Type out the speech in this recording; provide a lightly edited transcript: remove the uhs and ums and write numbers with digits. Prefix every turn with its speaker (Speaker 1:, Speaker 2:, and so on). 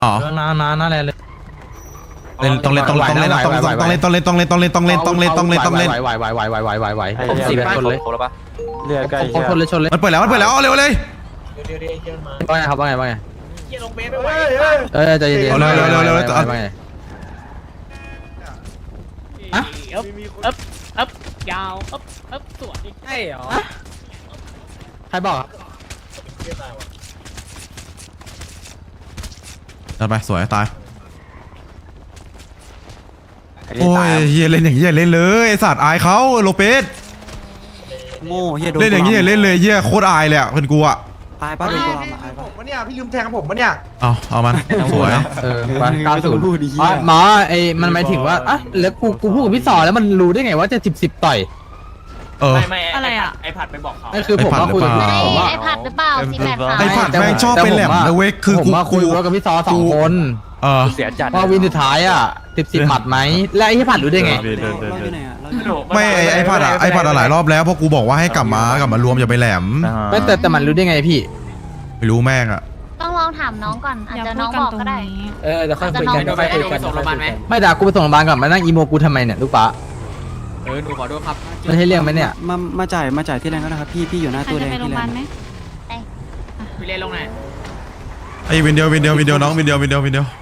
Speaker 1: อ๋อ
Speaker 2: น่าแลเลย
Speaker 1: เล่นต้องเล่นต้องเล่นต้องเล่นต้องเล่นต้องเล่นต้องเล่นต้องเล่นต้องเล่นต้องเล่นต้องเล่นต้องเล่น
Speaker 2: ไหวผมสิบชนเลย
Speaker 3: เรือใกล้
Speaker 2: ผมชนเลยชนเลย
Speaker 1: มันเปิดแล้วเร็วเลย
Speaker 2: ว่าไงครับว่าไงใจเย็น
Speaker 1: เอาเร็วเร็วเร็ว
Speaker 2: ว่าไง
Speaker 4: อัพยาวอัพสวยใช่เหรอ
Speaker 2: ใครบอก
Speaker 1: จัดไปสวยตายโอ้ยเฮียเล่นอย่างเงี้ยเล่นเลยไอสัตว์อายเขาโลเปส
Speaker 3: โง่เฮียโดน
Speaker 1: เล่นอย่างเงี้ยเล่นเลยเฮียโคตรอายเลยอ่ะเป็นกูอ่ะ
Speaker 3: ตายป้าโดนตัวมาตายป้า
Speaker 5: ผมเนี่ยพี่ลืมแทงผมปะเนี่ย
Speaker 1: เอามันสวย
Speaker 2: ไป90หมอไอ้มันหมายถึงว่าอ่ะแล้วกูพูดกับพี่สอแล้วมันรู้ได้ไงว่าจะ10ต่อย
Speaker 4: ไม่อะไรอ่ะไอผัดไปบอกเขา
Speaker 2: นั่นคือผมว่าคุยกับพี่สอว่า
Speaker 6: ไอผัดหรือเปล่า483
Speaker 1: ไอผัดแม่งชอบไปแหลมนะเว้ยคือ
Speaker 2: ผมว่าคุยกับพี่สอ2 คน
Speaker 3: เสียจัด
Speaker 2: ว่าวินสุดท้ายอ่ะ10หมัดไหมและไอ้พี่ผัดรู้ได้ไง
Speaker 3: เราอยู่ไหนอ่ะเราอยู่ไหน
Speaker 1: ไม่ไอผัดหลายรอบแล้วเพราะกูบอกว่าให้กลับมารวมอย่าไปแหลม
Speaker 2: ไม่แต่มันรู้ได้ไงพี่
Speaker 1: ไม่รู้แม่งอ่ะ
Speaker 6: ต้องลองถามน้องก่อนอาจจะน้องบอกก็ได้
Speaker 4: จะค่อยคุยกันค่อยคุยกันส่งโรงพยาบาลไหม
Speaker 2: ไม่ด่ากูไปส่งโรงพยาบาลก่อนมานั่งอีโมกูทำไมเนี่ยลูกป้า
Speaker 4: หนูขอโทษครับ
Speaker 2: มันให้เรื่องไหมเนี่ย
Speaker 3: มาจ่ายที่แรงก็ได้ครับพี่อยู่หน้าตู้แดงที่แรง
Speaker 4: พี่เล่นลงไหน
Speaker 1: ไอวินเดียวน้องวินเดียว